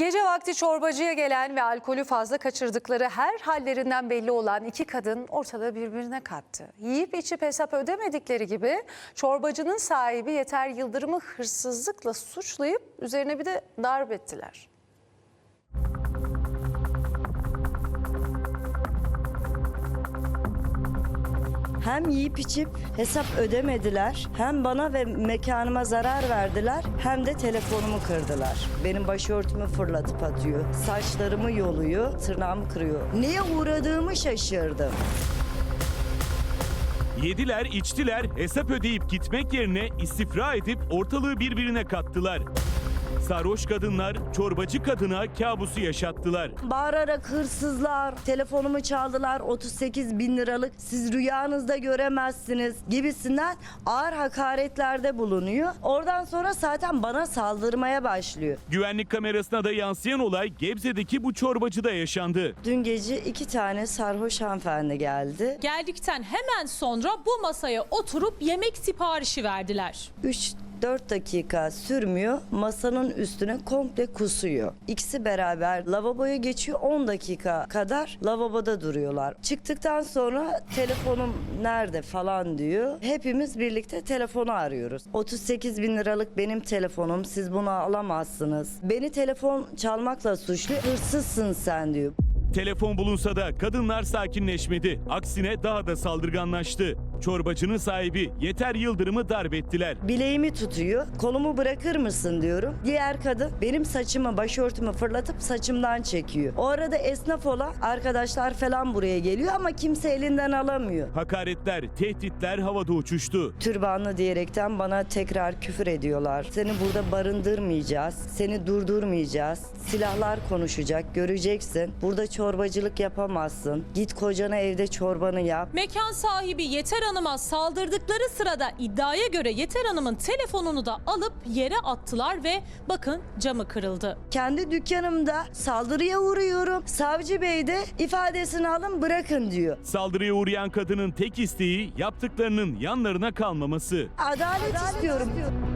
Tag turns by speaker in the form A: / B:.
A: Gece vakti çorbacıya gelen ve alkolü fazla kaçırdıkları her hallerinden belli olan iki kadın ortada birbirine kattı. Yiyip içip hesap ödemedikleri gibi çorbacının sahibi Yeter Yıldırım'ı hırsızlıkla suçlayıp üzerine bir de darp ettiler.
B: Hem yiyip içip hesap ödemediler, hem bana ve mekanıma zarar verdiler, hem de telefonumu kırdılar. Benim başörtümü fırlatıp atıyor, saçlarımı yoluyor, tırnağımı kırıyor. Neye uğradığımı şaşırdım.
C: Yediler, içtiler, hesap ödeyip gitmek yerine istifra edip ortalığı birbirine kattılar. Sarhoş kadınlar çorbacı kadına kabusu yaşattılar.
B: Bağırarak hırsızlar, telefonumu çaldılar, 38 bin liralık siz rüyanızda göremezsiniz gibisinden ağır hakaretlerde bulunuyor. Oradan sonra zaten bana saldırmaya başlıyor.
C: Güvenlik kamerasına da yansıyan olay Gebze'deki bu çorbacıda yaşandı.
B: Dün gece 2 tane sarhoş hanımefendi geldi.
D: Geldikten hemen sonra bu masaya oturup yemek siparişi verdiler.
B: 3-4 dakika sürmüyor, masanın üstüne komple kusuyor. İkisi beraber lavaboya geçiyor, 10 dakika kadar lavaboda duruyorlar. Çıktıktan sonra telefonum nerede falan diyor. Hepimiz birlikte telefonu arıyoruz. 38 bin liralık benim telefonum, siz bunu alamazsınız. Beni telefon çalmakla suçlu, hırsızsın sen diyor.
C: Telefon bulunsa da kadınlar sakinleşmedi. Aksine daha da saldırganlaştı. Çorbacının sahibi Yeter Yıldırım'ı darp ettiler.
B: Bileğimi tutuyor. Kolumu bırakır mısın diyorum. Diğer kadın benim saçımı, başörtümü fırlatıp saçımdan çekiyor. O arada esnaf olan arkadaşlar falan buraya geliyor ama kimse elinden alamıyor.
C: Hakaretler, tehditler havada uçuştu.
B: Türbanlı diyerekten bana tekrar küfür ediyorlar. Seni burada barındırmayacağız. Seni durdurmayacağız. Silahlar konuşacak, göreceksin. Burada çorbacılık yapamazsın. Git kocana evde çorbanı yap.
D: Mekan sahibi Yeter Hanım'a saldırdıkları sırada iddiaya göre Yeter Hanım'ın telefonunu da alıp yere attılar ve bakın camı kırıldı.
B: Kendi dükkanımda saldırıya uğruyorum. Savcı bey de ifadesini alın bırakın diyor.
C: Saldırıya uğrayan kadının tek isteği yaptıklarının yanlarına kalmaması.
B: Adalet istiyorum.